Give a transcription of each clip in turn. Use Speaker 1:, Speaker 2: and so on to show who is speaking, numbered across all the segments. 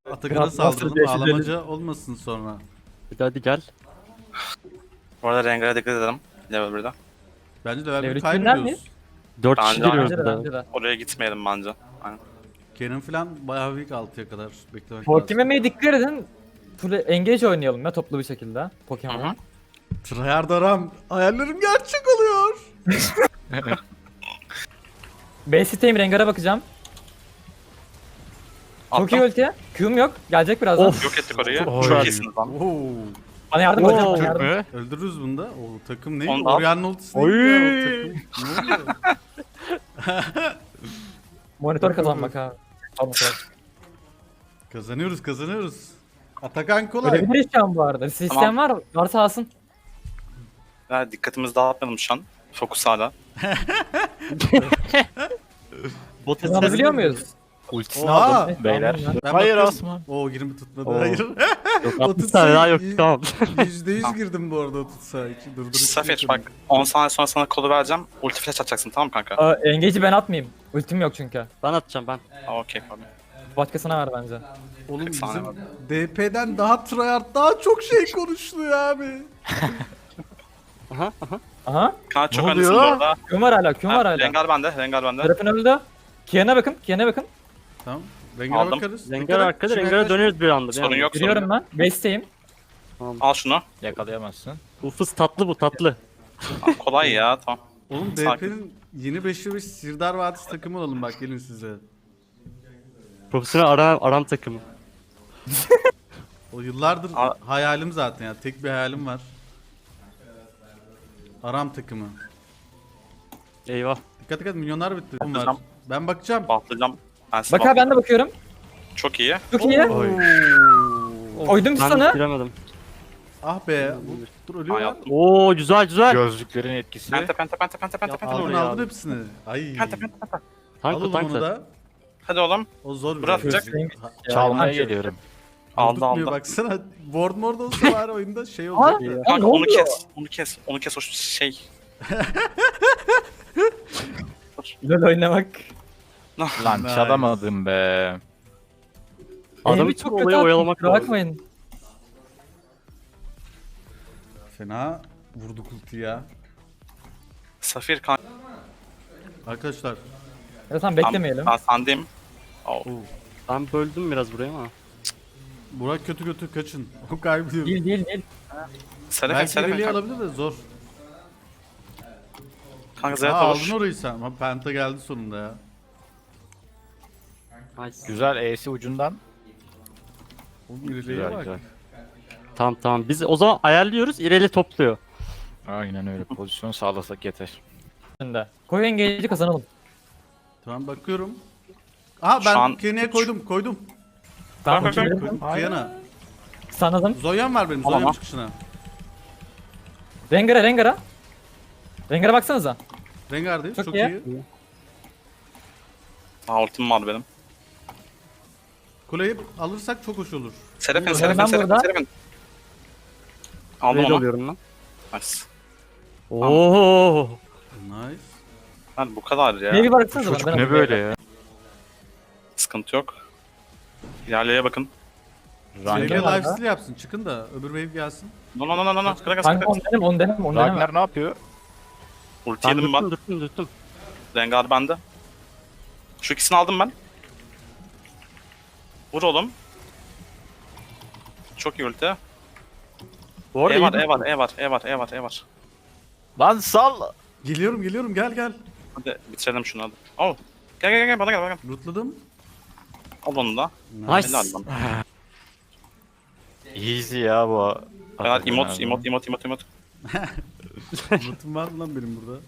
Speaker 1: Atakan'a
Speaker 2: Nasıl
Speaker 1: saldıralım.
Speaker 2: bir
Speaker 1: Ağlamaca olmasın sonra.
Speaker 3: Hadi gel.
Speaker 4: Bu arada Rengar'a dikkat edelim. Level 1'de.
Speaker 1: Bence level
Speaker 2: Level
Speaker 1: 1
Speaker 2: üçünden
Speaker 1: kaybediyoruz.
Speaker 3: 4
Speaker 4: Bence
Speaker 3: kişi giriyoruz
Speaker 2: Bence de
Speaker 3: bir daha.
Speaker 2: bence de.
Speaker 4: Oraya gitmeyelim bence. Aynen.
Speaker 1: Kenan falan bayağı büyük 6'ya kadar beklemek
Speaker 2: Pokemon'e dikkat edin. Full engage oynayalım ya toplu bir şekilde.
Speaker 4: Hı hı.
Speaker 2: Pokemon'a.
Speaker 1: Tryhard aram. Hayallerim gerçek oluyor.
Speaker 2: Base'teyim Rengar'a bakacağım. Çok iyi
Speaker 4: Attım.
Speaker 2: ulti. Q'm yok. Gelecek birazdan.
Speaker 3: Of.
Speaker 4: Yok ettik orayı.
Speaker 3: Oy.
Speaker 4: Çok iyisiniz lan.
Speaker 1: Oo.
Speaker 2: Bana yardım
Speaker 3: Oo.
Speaker 2: hocam. Bana yardım.
Speaker 5: Mü?
Speaker 1: Öldürürüz bunu da. O takım ne?
Speaker 4: Onu al.
Speaker 1: Orianna ultisi
Speaker 3: Oy.
Speaker 1: neydi ya? O takım. Ne oluyor?
Speaker 2: Monitör kazanmak ha. Tamam, tamam.
Speaker 1: Kazanıyoruz kazanıyoruz. Atakan kolay.
Speaker 2: Ölebiliriz şu an bu arada. Sistem var. Varsa alsın.
Speaker 4: Ya, dikkatimizi dağıtmayalım şu an. Fokus hala.
Speaker 3: Bot
Speaker 2: Kazanabiliyor muyuz?
Speaker 5: Ultisini
Speaker 1: Oha!
Speaker 5: aldım beyler.
Speaker 2: Tamam ya.
Speaker 1: Ben
Speaker 5: Hayır
Speaker 1: bakıyorum.
Speaker 5: Asman.
Speaker 1: Oo 20 tutmadı.
Speaker 3: Oo.
Speaker 1: Hayır.
Speaker 3: Yok
Speaker 1: 30
Speaker 3: 60 tane daha yok
Speaker 1: sayı-
Speaker 3: tamam.
Speaker 1: %100 girdim bu arada 30 sayı için. Durdurucu
Speaker 4: Safir
Speaker 1: yapıyorum.
Speaker 4: bak 10 saniye sonra sana kolu vereceğim. Ulti flash atacaksın tamam mı kanka?
Speaker 2: Engage'i ben atmayayım. Ultim yok çünkü.
Speaker 3: Ben atacağım ben.
Speaker 4: Okey abi.
Speaker 2: Başkasına ver bence.
Speaker 1: Oğlum
Speaker 4: 40 saniye
Speaker 1: bizim
Speaker 4: var.
Speaker 1: DP'den daha tryhard daha çok şey konuşuluyor abi.
Speaker 2: Aha.
Speaker 4: Kaan çok
Speaker 5: Ne
Speaker 4: öndesin bu
Speaker 5: oluyor?
Speaker 4: arada.
Speaker 2: Q'm var hala. Q'm var
Speaker 4: Ha,
Speaker 2: hala.
Speaker 4: Rengar bende. Rengar bende.
Speaker 2: Serap'in öldü. Kian'a bakın. Kian'a bakın.
Speaker 1: Tamam. Rengar'a
Speaker 4: Aldım.
Speaker 1: bakarız.
Speaker 3: Rengar
Speaker 1: Dikkat et,
Speaker 3: arkada
Speaker 1: şuraya
Speaker 3: Rengar'a
Speaker 1: yaklaş.
Speaker 3: döneriz bir anda.
Speaker 4: Sorun yok sorun
Speaker 2: Giriyorum
Speaker 4: yok.
Speaker 2: ben. Base'teyim.
Speaker 4: Al şunu.
Speaker 5: Yakalayamazsın.
Speaker 3: Bu fıs tatlı bu tatlı.
Speaker 4: Al, kolay ya tamam.
Speaker 1: Oğlum
Speaker 4: Sakin.
Speaker 1: DP'nin yeni 5'e 5 Sirdar Vadisi takımı olalım bak gelin size.
Speaker 3: Profesyonel aram takımı.
Speaker 1: O yıllardır
Speaker 4: A-
Speaker 1: hayalim zaten ya. Tek bir hayalim var. Aram takımı.
Speaker 3: Eyvah.
Speaker 1: Dikkat dikkat milyonlar bitti. Var.
Speaker 4: Bakacağım.
Speaker 1: Ben bakacağım.
Speaker 4: Bahtlayacağım. Ben size
Speaker 2: Bak abi ben de bakıyorum.
Speaker 4: Çok iyi.
Speaker 2: Çok iyi.
Speaker 5: Oy.
Speaker 2: Koydum
Speaker 3: Ben
Speaker 2: sana.
Speaker 3: giremedim.
Speaker 1: Ah be. Dur
Speaker 4: Aa,
Speaker 1: ölüyor.
Speaker 4: yaptım.
Speaker 3: Oo güzel güzel.
Speaker 5: Gözlüklerin etkisi.
Speaker 4: Penta.
Speaker 1: Aldın
Speaker 3: ya.
Speaker 1: aldın hepsini. Ay.
Speaker 4: Penta.
Speaker 3: Tank
Speaker 1: Alın
Speaker 3: o tank
Speaker 1: onu
Speaker 3: da.
Speaker 1: da.
Speaker 4: Hadi oğlum.
Speaker 1: O zor bir
Speaker 4: Bırak,
Speaker 1: şey.
Speaker 4: bırak.
Speaker 1: Ha-
Speaker 5: Çalmaya
Speaker 2: Ya,
Speaker 5: geliyorum.
Speaker 4: Aldı
Speaker 1: Tutmuyor,
Speaker 4: aldı.
Speaker 1: baksana. Board mord olsa bari oyunda şey olacak da.
Speaker 4: Kanka
Speaker 2: ne
Speaker 4: onu
Speaker 2: oluyor?
Speaker 4: kes. Onu kes. Onu kes o şey.
Speaker 2: LoL oynamak.
Speaker 5: Lan
Speaker 1: Nice.
Speaker 5: çalamadım be.
Speaker 3: Adamı
Speaker 2: Elimi
Speaker 3: çok
Speaker 2: kötü
Speaker 3: olayı
Speaker 2: attım,
Speaker 3: oyalamak
Speaker 2: kusura
Speaker 3: lazım.
Speaker 2: bakmayın.
Speaker 1: Fena vurduk ulti ya.
Speaker 4: Safir kanka.
Speaker 1: Arkadaşlar.
Speaker 2: Ya tamam beklemeyelim.
Speaker 4: Ben sendeyim. Oh.
Speaker 3: Ben böldüm biraz buraya ama.
Speaker 1: Burak kötü kötü kaçın. O kaybediyor.
Speaker 2: Değil.
Speaker 4: Serafin
Speaker 1: Belki
Speaker 4: Serafin
Speaker 1: ileriye
Speaker 4: kanka.
Speaker 1: alabilir de zor.
Speaker 4: Kanka
Speaker 1: Aa,
Speaker 4: Zeyat
Speaker 1: aldın
Speaker 4: olur.
Speaker 1: orayı sen. Ama Penta geldi sonunda ya.
Speaker 3: Nice.
Speaker 5: Güzel E'si ucundan.
Speaker 1: Oğlum ileriye
Speaker 5: Güzel
Speaker 1: bak.
Speaker 5: güzel.
Speaker 3: Tamam biz o zaman ayarlıyoruz İreli topluyor.
Speaker 5: Aynen öyle. Pozisyon sağlasak yeter.
Speaker 2: Şimdi. Koy engage'i kazanalım.
Speaker 1: Tamam bakıyorum. Aha
Speaker 4: Şu
Speaker 1: ben
Speaker 4: an-
Speaker 1: Kenny'e koydum.
Speaker 2: Tamam
Speaker 4: Bak, bak, bak.
Speaker 2: koydum.
Speaker 1: Kıyana.
Speaker 2: Sanladım.
Speaker 1: Zoyan var benim.
Speaker 4: Tamam.
Speaker 1: Zoyan çıkışına.
Speaker 2: Rengar'a. Rengar'a baksanıza.
Speaker 1: Rengar'dayız.
Speaker 2: Çok
Speaker 1: Çok
Speaker 2: iyi.
Speaker 1: iyi.
Speaker 4: Aa ultim var benim.
Speaker 1: Kuleyi alırsak çok hoş olur.
Speaker 4: Serafin
Speaker 2: Ben
Speaker 4: Serafin
Speaker 2: burada.
Speaker 4: Serafin. Aldım
Speaker 3: Raid
Speaker 4: onu.
Speaker 3: alıyorum lan.
Speaker 4: Nice.
Speaker 3: Oo.
Speaker 1: Nice.
Speaker 4: Lan bu kadar ya.
Speaker 2: Neye bir baksanıza
Speaker 5: Çocuk
Speaker 2: bana.
Speaker 5: ne böyle ya?
Speaker 4: Sıkıntı yok. İlerleye bakın.
Speaker 1: Sevgili
Speaker 5: Ragnar,
Speaker 2: var
Speaker 1: lifesteal yapsın. Çıkın da öbür wave gelsin.
Speaker 4: No. Kıra
Speaker 2: Kanka
Speaker 4: kıra.
Speaker 2: on denem.
Speaker 5: Ragnar ne yapıyor?
Speaker 4: Ulti
Speaker 3: Ben
Speaker 4: yedim ben.
Speaker 3: dürttüm.
Speaker 4: Rengar bende. Şu ikisini aldım ben. Vur oğlum. Çok iyi ulti.
Speaker 3: Bu arada
Speaker 4: E var,
Speaker 3: iyi
Speaker 4: E var.
Speaker 5: Lan sal.
Speaker 1: Geliyorum gel.
Speaker 4: Hadi bitirelim şunu hadi. Oh. Gel bana gel.
Speaker 1: Lootladım.
Speaker 4: Al onu da.
Speaker 3: Nice.
Speaker 4: Helal lan.
Speaker 5: Easy ya bu.
Speaker 4: Helal emot.
Speaker 1: Lootum var mı lan benim burada?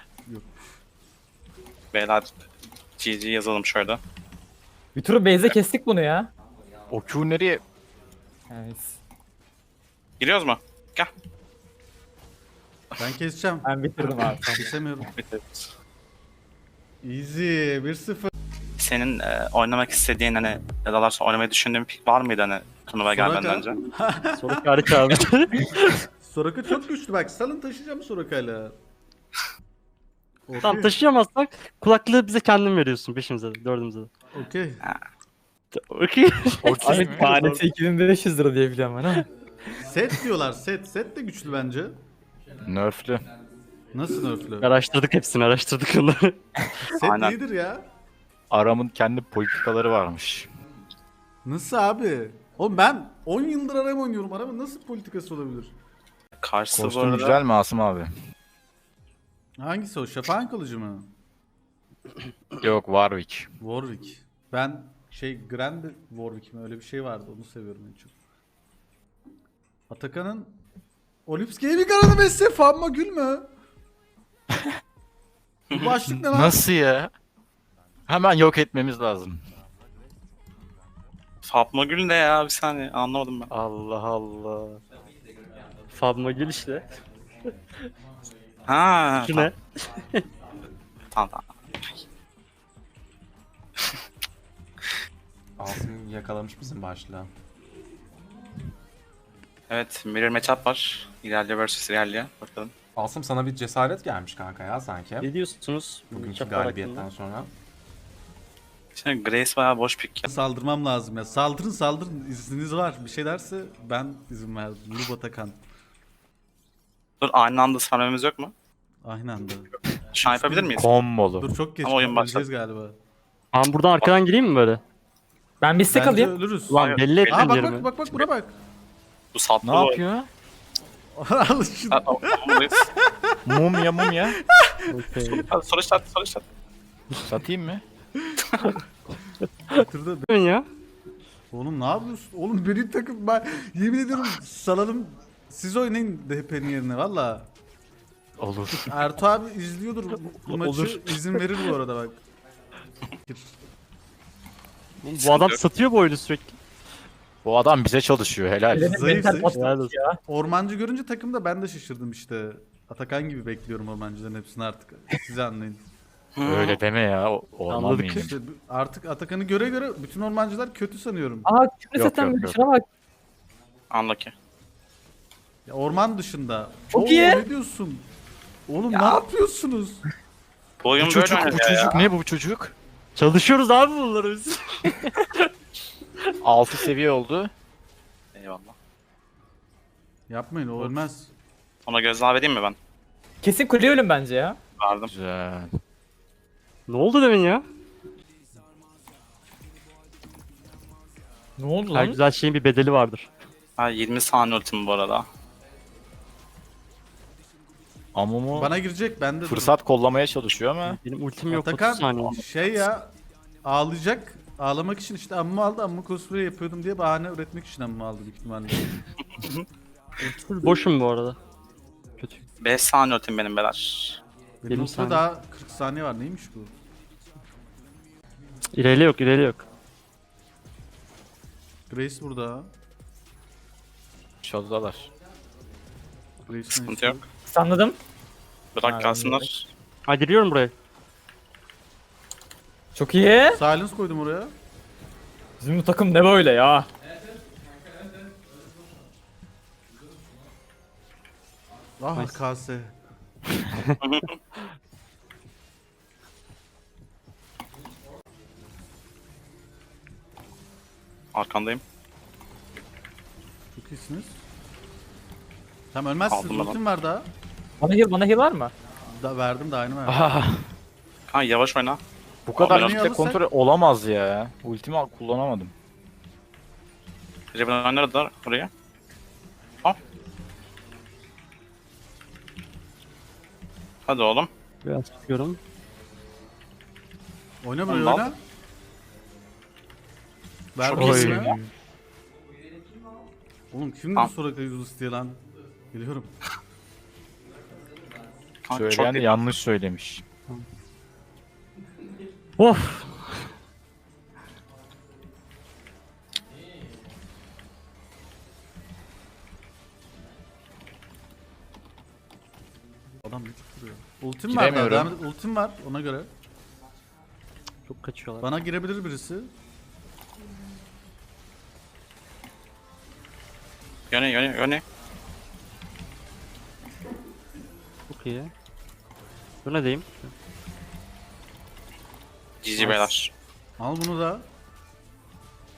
Speaker 4: Beyler GG yazalım şöyle.
Speaker 2: Bir turu base'e kestik bunu ya.
Speaker 5: O Q nereye?
Speaker 2: Evet.
Speaker 4: Giriyoruz mu? Gel.
Speaker 1: Ben keseceğim.
Speaker 2: Ben bitirdim abi.
Speaker 1: Kesemiyorum.
Speaker 4: Bitiririz.
Speaker 1: Easy 1-0.
Speaker 4: Senin oynamak istediğin hani ya da sonra oynamayı düşündüğün bir pick var mıydı hani turnuvaya gelmeden önce?
Speaker 3: Sonraki harika abi.
Speaker 1: Soraka çok güçlü bak. Salın taşıyacağım Soraka'yla.
Speaker 3: Tamam taşıyamazsak kulaklığı bize kendin veriyorsun. Beşimize de dördümüze de.
Speaker 1: Okey.
Speaker 3: Okey.
Speaker 5: Okey
Speaker 2: Abi
Speaker 5: mi?
Speaker 2: tanesi 2500 lira diye biliyorum ben ama.
Speaker 1: Set diyorlar set. Set de güçlü bence.
Speaker 5: Nerf'lü.
Speaker 1: Nasıl nerflü?
Speaker 3: Araştırdık hepsini araştırdık onları.
Speaker 1: Set
Speaker 4: Aynen.
Speaker 1: iyidir ya.
Speaker 5: Aram'ın kendi politikaları varmış.
Speaker 1: Nasıl abi? Oğlum ben 10 yıldır Aram oynuyorum. Aramın nasıl politikası olabilir?
Speaker 4: Karşısı bu
Speaker 5: Kostüm
Speaker 4: arada.
Speaker 5: güzel mi Asım abi?
Speaker 1: Hangisi o? Şafak'ın kılıcı mı?
Speaker 5: Yok Warwick.
Speaker 1: Warwick. Ben Grand Warwick mi? Öyle bir şey vardı. Onu seviyorum en çok. Atakan'ın Olips Gaming aradı Messi. Famma Gül mü? Bu başlık ne lan?
Speaker 5: Nasıl ya? Hemen yok etmemiz lazım.
Speaker 4: Fatma Gül ne ya? Bir saniye anlamadım ben.
Speaker 3: Allah Allah. Fatma Gül işte.
Speaker 4: Ha.
Speaker 3: Şu ne?
Speaker 4: Tamam.
Speaker 6: Asım yakalamış bizim başlığı.
Speaker 4: Evet, Mirror Matchup var. İlerliyor vs. İlerliyor. Bakalım.
Speaker 6: Asım sana bir cesaret gelmiş kanka ya sanki.
Speaker 3: Ne diyorsunuz?
Speaker 6: Bugünkü
Speaker 3: Çapar
Speaker 6: galibiyetten
Speaker 3: hakkında?
Speaker 6: sonra.
Speaker 4: Şimdi Grace bayağı boş pick ya.
Speaker 1: Saldırmam lazım ya. Saldırın. İzniniz var. Bir şey derse ben izin verdim. Lub Atakan.
Speaker 4: Dur aynı anda sarmamız yok mu?
Speaker 1: Aynı anda.
Speaker 4: Şu an yapabilir miyiz?
Speaker 5: Kombolu.
Speaker 1: Dur çok geç.
Speaker 4: Ama oyun
Speaker 1: Öleceğiz galiba.
Speaker 3: Ben buradan arkadan gireyim mi böyle?
Speaker 2: Ben bir stack
Speaker 1: Bence
Speaker 2: alayım.
Speaker 1: ölürüz.
Speaker 3: Ulan
Speaker 4: Hayır,
Speaker 3: belli ettin
Speaker 1: Aa bak
Speaker 3: yerimi.
Speaker 1: bak buna bak.
Speaker 4: Bu saplı
Speaker 5: Ne yapıyor?
Speaker 1: Al şunu.
Speaker 5: Mumya mumya.
Speaker 3: Okey.
Speaker 4: Hadi soru işareti soru işareti.
Speaker 5: Satayım mı?
Speaker 1: Bitirdi.
Speaker 3: Ne ya?
Speaker 1: Oğlum ne yapıyorsun? Oğlum benim takım ben yemin ediyorum salalım. Siz oynayın DP'nin yerine valla.
Speaker 5: Olur.
Speaker 1: Ertuğ abi izliyordur bu maçı.
Speaker 3: Olur.
Speaker 1: İzin verir bu arada bak.
Speaker 3: Bu adam satıyor bu oyunu sürekli.
Speaker 5: Bu adam bize çalışıyor helal.
Speaker 1: Zayıf,
Speaker 2: Mental
Speaker 1: zayıf.
Speaker 2: patladı ya.
Speaker 1: Ormancı görünce takımda ben de şaşırdım işte. Atakan gibi bekliyorum ormancıların hepsini artık. Siz anlayın.
Speaker 5: Öyle deme ya. Orman
Speaker 3: Anladık.
Speaker 5: mıyım?
Speaker 1: İşte artık Atakan'ı göre bütün ormancılar kötü sanıyorum.
Speaker 2: Aa küfür
Speaker 5: Yok,
Speaker 2: seten
Speaker 5: yok,
Speaker 2: bir
Speaker 5: yok.
Speaker 2: şuna bak.
Speaker 4: Unlucky.
Speaker 1: Ya orman dışında.
Speaker 2: Çok
Speaker 1: Oo,
Speaker 2: iyi.
Speaker 1: Ne diyorsun? Oğlum ne yapıyorsunuz?
Speaker 4: Bu oyun
Speaker 5: Bu
Speaker 4: böyle
Speaker 5: çocuk, bu
Speaker 4: oynanıyor ya.
Speaker 5: çocuk ne bu çocuk?
Speaker 3: Çalışıyoruz abi bunları biz.
Speaker 5: 6 seviye oldu.
Speaker 4: Eyvallah.
Speaker 1: Yapmayın o ölmez.
Speaker 4: Ona gözdağı vereyim mi ben?
Speaker 2: Kesin kule ölüm bence ya.
Speaker 4: Verdim.
Speaker 5: Güzel.
Speaker 3: Ne oldu demin ya?
Speaker 2: Ne oldu
Speaker 3: Her
Speaker 2: lan?
Speaker 3: güzel şeyin bir bedeli vardır.
Speaker 4: Ha 20 saniye ultim bu arada.
Speaker 5: Amumu
Speaker 1: Bana girecek ben de
Speaker 5: fırsat kollamaya çalışıyor ama
Speaker 3: Benim ultim yok 30
Speaker 1: Atakan
Speaker 3: saniye.
Speaker 1: şey ya ağlayacak. Ağlamak için işte amma aldı amma cosplay yapıyordum diye bahane üretmek için amma aldı büyük ihtimalle.
Speaker 3: Full boşum bu arada. Kötü.
Speaker 4: 5 saniye ultim benim beyler.
Speaker 1: Benim
Speaker 3: 20
Speaker 1: noktada
Speaker 3: saniye.
Speaker 1: daha 40 saniye var neymiş bu?
Speaker 3: İleri yok ileri yok.
Speaker 1: Grace burada.
Speaker 5: çaldılar.
Speaker 1: Grace'in
Speaker 4: Sıkıntı yok.
Speaker 2: Sanladım.
Speaker 4: Bırak
Speaker 2: Ha,
Speaker 4: kalsınlar.
Speaker 3: Ha giriyorum buraya.
Speaker 2: Çok iyi.
Speaker 1: Silence koydum oraya.
Speaker 2: Bizim bu takım ne böyle ya?
Speaker 1: Ah
Speaker 3: Nice.
Speaker 1: KS.
Speaker 4: Arkandayım.
Speaker 1: Çok iyisiniz. Tamam ölmezsiniz.
Speaker 4: Aldım ben
Speaker 1: Ultim var daha.
Speaker 2: Bana heal var mı?
Speaker 1: Verdim daha aynı verdim.
Speaker 5: Ah,
Speaker 4: Ha yavaş oyna.
Speaker 5: bu kadar
Speaker 4: Abi,
Speaker 5: kitle
Speaker 1: alırsak-
Speaker 5: kontrol olamaz ya. Ultimi kullanamadım.
Speaker 4: Riven oynadılar buraya. Hadi oğlum.
Speaker 3: Biraz tutuyorum.
Speaker 1: Oyna buraya
Speaker 4: Ondan.
Speaker 1: oyna. Ver
Speaker 4: Çok
Speaker 1: buraya
Speaker 4: iyisin
Speaker 1: oyna.
Speaker 4: ya.
Speaker 1: Oğlum kim
Speaker 4: Tamam.
Speaker 1: bu Soraka yüzü istiyor lan? Geliyorum.
Speaker 4: Kanka,
Speaker 5: Söyleyen
Speaker 4: çok iyi.
Speaker 5: yanlış söylemiş.
Speaker 3: Of.
Speaker 1: Adam bir tık duruyor. Ultim var daha.
Speaker 5: Giremiyorum.
Speaker 1: Devam et. Ultim var ona göre.
Speaker 3: Çok kaçıyorlar.
Speaker 1: Bana girebilir birisi.
Speaker 4: Yöne.
Speaker 3: Çok iyi. Bu ne diyeyim?
Speaker 4: GG beyler.
Speaker 1: Al bunu da.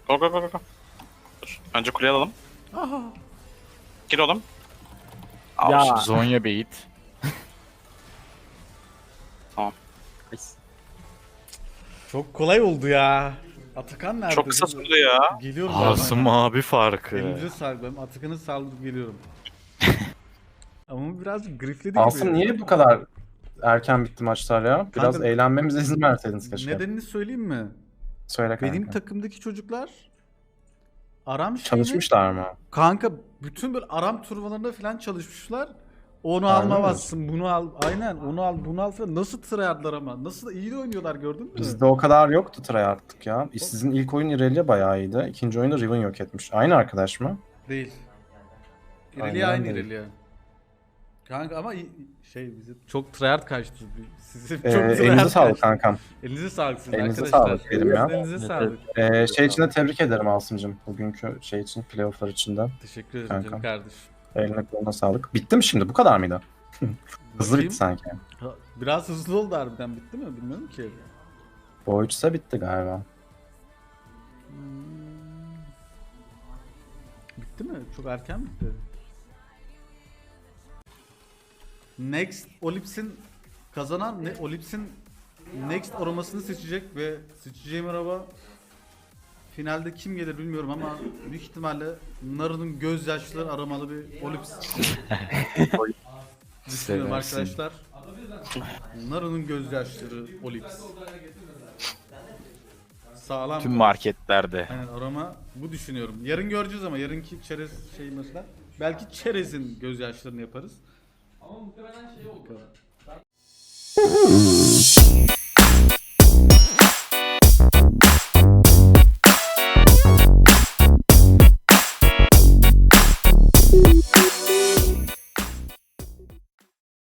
Speaker 4: Go go go go, go. Dur. Önce kuleyi alalım. Gir oğlum. Al
Speaker 2: Ya.
Speaker 4: şimdi.
Speaker 5: Zonya bait.
Speaker 1: Çok kolay oldu ya. Atakan nerede?
Speaker 4: Çok kısa sürdü ya.
Speaker 1: Geliyorum
Speaker 5: Asım abi farkı.
Speaker 1: Elinize sağlık. Ben Atakan'ı sağlık geliyorum. Ama biraz grifledi
Speaker 7: Asım
Speaker 1: gibi.
Speaker 7: niye bu kadar erken bitti maçlar ya? Biraz
Speaker 1: Kanka-
Speaker 7: eğlenmemize izin verseydiniz keşke.
Speaker 1: Nedenini söyleyeyim mi?
Speaker 7: Söyle kanka.
Speaker 1: Benim takımdaki çocuklar Aram şeyini...
Speaker 7: Çalışmışlar mı?
Speaker 1: Kanka bütün böyle Aram turnuvalarında falan çalışmışlar. Onu
Speaker 7: Harbi mi?
Speaker 1: almamazsın, bunu al. Aynen onu al, bunu al falan. Nasıl tryhardlar ama. Nasıl da iyi de oynuyorlar gördün mü?
Speaker 7: Bizde o kadar yoktu tryhardlık ya. Sizin ilk oyun Irelia bayağı iyiydi. İkinci oyunda Riven yok etmiş. Aynı arkadaş mı?
Speaker 1: Değil.
Speaker 7: Aynen
Speaker 1: İrelia aynı
Speaker 7: değil.
Speaker 1: İrelia. Kanka ama bizi çok tryhard kaçtı. Sizi çok
Speaker 7: Elinize sağlık kankam.
Speaker 1: Elinize sağlık sizin
Speaker 7: Elinize
Speaker 1: arkadaşlar.
Speaker 7: sağlık diyelim ya.
Speaker 1: Elinize sağlık.
Speaker 7: Şey için de tebrik ederim Asım'cım. Bugünkü şey için, playofflar için de.
Speaker 1: Teşekkür ederim
Speaker 7: Kankam.
Speaker 1: canım kardeşim.
Speaker 7: Eline koluna sağlık. Bitti mi şimdi? Bu kadar mıydı? Hızlı
Speaker 1: Bakayım.
Speaker 7: bitti sanki.
Speaker 1: Ha, biraz hızlı oldu harbiden, bitti mi bilmiyorum ki.
Speaker 7: Bu üçse bitti galiba.
Speaker 1: Bitti mi? Çok erken bitti. Next Olips'in kazanan Olips'in Next aromasını seçecek ve seçeceğim araba finalde kim gelir bilmiyorum ama büyük ihtimalle Naru'nun gözyaşları aramalı bir Olips düşünüyorum
Speaker 5: Seversin.
Speaker 1: arkadaşlar. Naru'nun gözyaşları Olips. Sağlam.
Speaker 5: Tüm marketlerde.
Speaker 1: Aynen arama bu düşünüyorum. Yarın göreceğiz ama yarınki çerez şey mesela. Belki çerezin gözyaşlarını yaparız. Ama muhtemelen şey oldu.